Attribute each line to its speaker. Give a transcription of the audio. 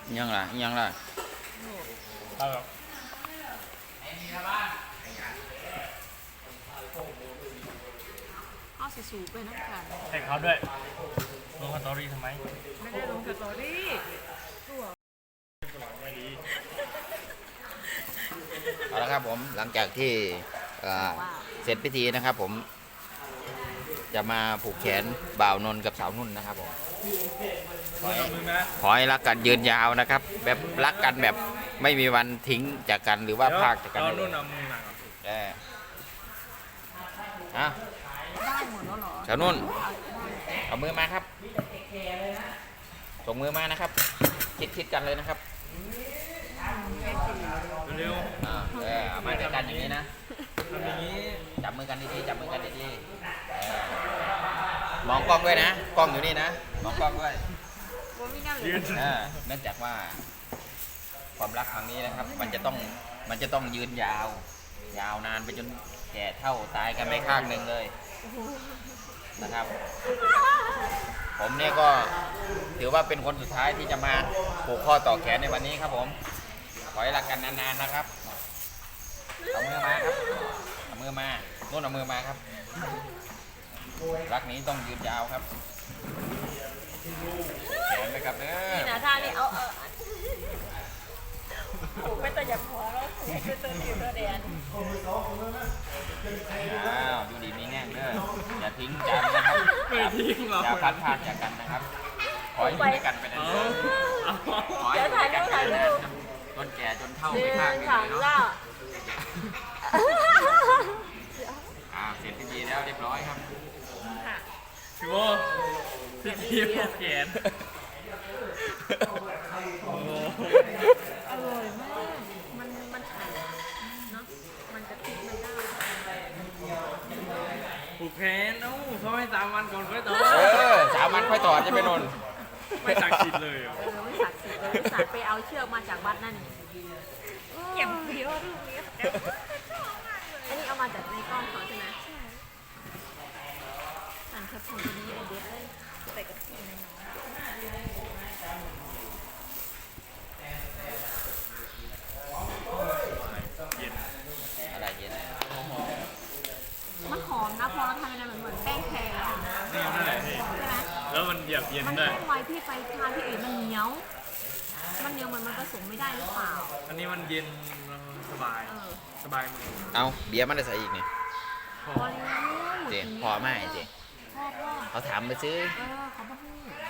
Speaker 1: ยังล่ะยังล่ะ
Speaker 2: เอาแบบ
Speaker 3: เอาสิสูไปน้ำกัน
Speaker 2: ให้เขาด้วยลงสตอรี่ทำไม
Speaker 3: ไม่ได้ลงสตอรี่ตัว
Speaker 2: ไม่ดี
Speaker 1: เอาละครับผมหลังจากที่เสร็จพิธีนะครับผมจะมาผูกแขนบ่าวนนท์กับสาวนุ่นนะครับผมขอให้รักกันยืนยาวนะครับ แบบรักกันแบบไม่มีวันทิ้งจากกันหรือว่าพากจากกัน
Speaker 2: เอา
Speaker 1: เลย
Speaker 2: นุ่นเอามือมาก่อน
Speaker 1: อ่ะ
Speaker 3: ได้หมดแล้วเหรอ
Speaker 1: สาวนุ่นเอามือมาครับส่งมือมานะครับคิดกันเลยนะครับ
Speaker 2: เร็ว
Speaker 1: เอามาด้วยกันอย่างนี้นะ
Speaker 2: ๆทำอย่างนี้
Speaker 1: จับมือกันดีๆจับมือกันดีๆมองกล้องด้วยนะกล้องอยู่นี่นะมองกล้องด้วย
Speaker 3: ว่าไม่น่าเล
Speaker 2: ยื
Speaker 3: ย
Speaker 2: น
Speaker 1: เนื่องจากว่าความรักครั้งนี้นะครับ มันจะต้องยืนยาวนานไปจนแก่เฒ่าตายกันไปข้างหนึ่งเลยนะครับ ผมเนี่ยก็ถือว่าเป็นคนสุดท้ายที่จะมาผูกข้อต่อแขนในวันนี้ครับผมขอให้รักกันนานๆนะครับเอามือมาครับเอามือมาโน่นเอามือมาครับรักนี้ต้องยืนยาวครับแขนไปครับเด้อ
Speaker 3: นี่นะท่านี่เอาผูกไปตัวอย่าพอแล้วผูกไปตัวอยู่ตัวแดน
Speaker 1: อ้าวดูดีมีแง่งเด้ออย่าทิ้งกันนะครับ
Speaker 2: ไม่ทิ้งหรอก
Speaker 1: อย่าพัดพรากจากกันนะครับขอให้อยู่ด้วยกันไปนานๆขอให้อยู่ด้วยกันไปนานๆครับจนแก่จนเฒ่า
Speaker 3: หนึ่
Speaker 1: ไป
Speaker 3: ง
Speaker 1: ข้างหนึ่ง
Speaker 3: สอง
Speaker 1: เลย
Speaker 3: เก้า
Speaker 1: เนาะเสร็จพิธีแล้วเรียบร้อยครับ
Speaker 2: พี่โบพี่ทีมแขนโอ้โห
Speaker 3: อร่อยมากมันไข่เนาะมันจะติดมันได้
Speaker 2: ผูกแขนเอ้าเขาให้3 วันก่อนค่อยต่อ
Speaker 1: 3 วันค่อยถอดจะไปนน
Speaker 2: ไม่ศักดิ์สิทธิ์เลยเหรอ
Speaker 3: ไม่ศักดิ์สิทธิ์เลยไม่ศักดิ์ไปเอาเชือกมาจากวัดนั่นเก็บเดียวรูปนี้อันนี้เอามาจากในกล้องเขาใช่ไหมใช่สั่งแคปชั่นตัวนี้ไอเด็ดเลยใส่กับที่ในน้อง
Speaker 2: เย็น
Speaker 1: อะไรเย็น
Speaker 3: มันหอมนะพอเราทำมันเหมือนแป้งแคร์
Speaker 2: นี่นั่นแหละพี่
Speaker 3: ใช่ไหม
Speaker 2: แล้วมันเหยียบเย็น
Speaker 3: มัน
Speaker 2: ด้วย
Speaker 3: แป้งไว้พี่ไปทานที่อื่นมันเหนียวมันผสมไม่ได้หรือเปล่า
Speaker 2: อันนี้มันเย็นสบาย สบายมือ
Speaker 1: เอาเบียร์มันได้ใส่อีกนี่
Speaker 2: พอ
Speaker 3: พอแล้ว
Speaker 1: เจ๊พอไหมเจ๊
Speaker 3: พ่อ
Speaker 1: เขาถามไปซื้อ
Speaker 3: เขามาพูด